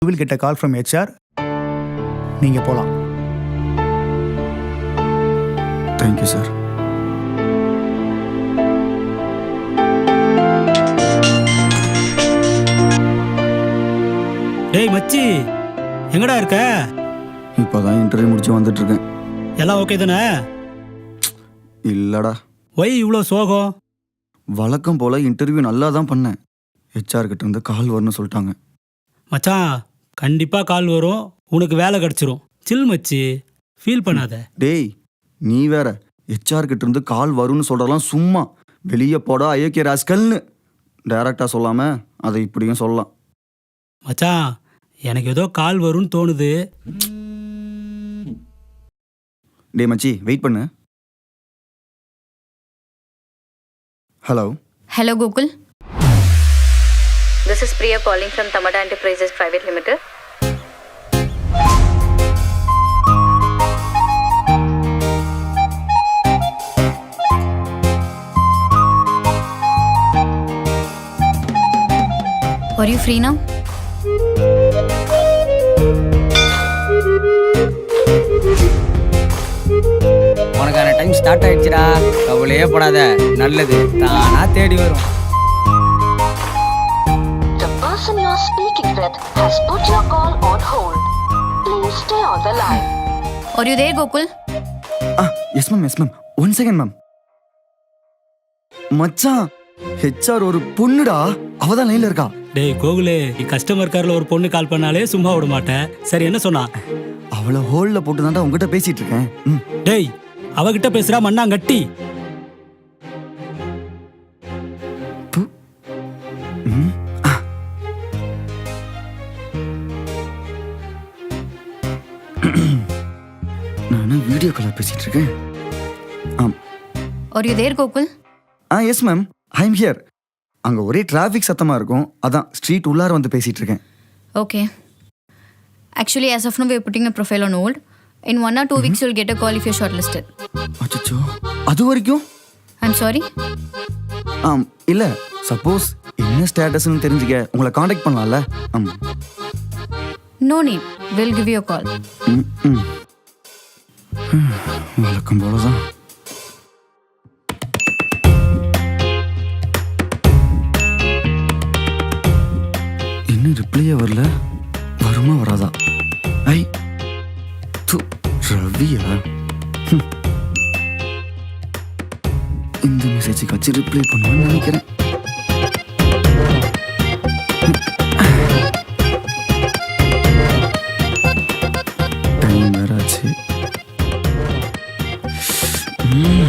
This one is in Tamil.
You will get a call from HR. நீங்க போலாம். Thank you, sir. டேய் மச்சி, எங்கடா இருக்க? இப்போதான் இன்டர்வியூ முடிச்சு வந்துட்டு இருக்கேன். எல்லாம் ஓகே தானே? இல்லடா, ஒய் இவ்வளோ சோகம்? வழக்கம் போல இன்டர்வியூ நல்லா தான் பண்ணேன். HR கிட்ட இருந்து கால் வரும்னு சொல்லிட்டாங்க. மச்சான், கண்டிப்பாக கால் வரும், உனக்கு வேலை கிடச்சிரும். சில் மச்சி, ஃபீல் பண்ணாத. டேய், நீ வேற HR கிட்ட இருந்து கால் வரும்னு சொல்றதெல்லாம் சும்மா வெளியே போடா ஐயோக்கிய ராஸ்கல்னு டைரக்டா சொல்லாம அதை இப்படியும் சொல்லலாம். மச்சான், எனக்கு ஏதோ கால் வரும்னு தோணுது. டேய் மச்சி, வெயிட் பண்ணு. Hello. Hello, Gokul. This is Priya calling from Tamada Enterprises Private Limited. Are you free now? உனக்கான டைம் ஸ்டார்ட் ஆயிடுச்சுடா, கவலையே படாத, நல்லது தானா தேடி வரும். The person you are speaking with has put your call on hold. Please stay on the line. Are you there, Gokul? Yes ma'am, yes ma'am. 1 second ma'am. மச்சான், HR ஒரு பொண்ணுடா, அவதான் லைன்ல இருக்கா. டேய் கோகுலே, நீ கஸ்டமர் கேரில் ஒரு பொண்ணு கால் பண்ணாலே சும்மா விட மாட்டேன். சரி, என்ன சொன்னா? அவளை ஹோல்ல போட்டு தான்டா உங்ககிட்ட பேசிட்டு இருக்கேன். டேய், அவகிட்ட பேசுறா மண்ணாங்கட்டி. நான் வீடியோ கால் பேசிட்டு இருக்கேன். Are you there, Gokul? Yes ma'am, I am here. அங்க ஒரே டிராஃபிக் சத்தமா இருக்கும், அதான் ஸ்ட்ரீட் உள்ளார வந்து பேசிட்டு இருக்கேன். Okay. Actually, as of now, we are putting a profile on hold. In 1 or 2 weeks, you'll get a call if you're shortlisted. அச்சோ, அது வரைக்கும்? I'm sorry. இல்ல, சப்போஸ் என்ன ஸ்டேட்டஸ்னு தெரிஞ்சுக்க உங்களை காண்டாக்ட் பண்ணலாம்ல. No need. We'll give you a call. வழக்கம் போலதான். இன்னும் ரிப்ளையே வரல, வருமா வராதா? ஐ து ரவியா, இந்த மெசேஜுக்கு வச்சு ரிப்ளை பண்ணுவான்னு நினைக்கிறேன். டைம் வேற ஆச்சு.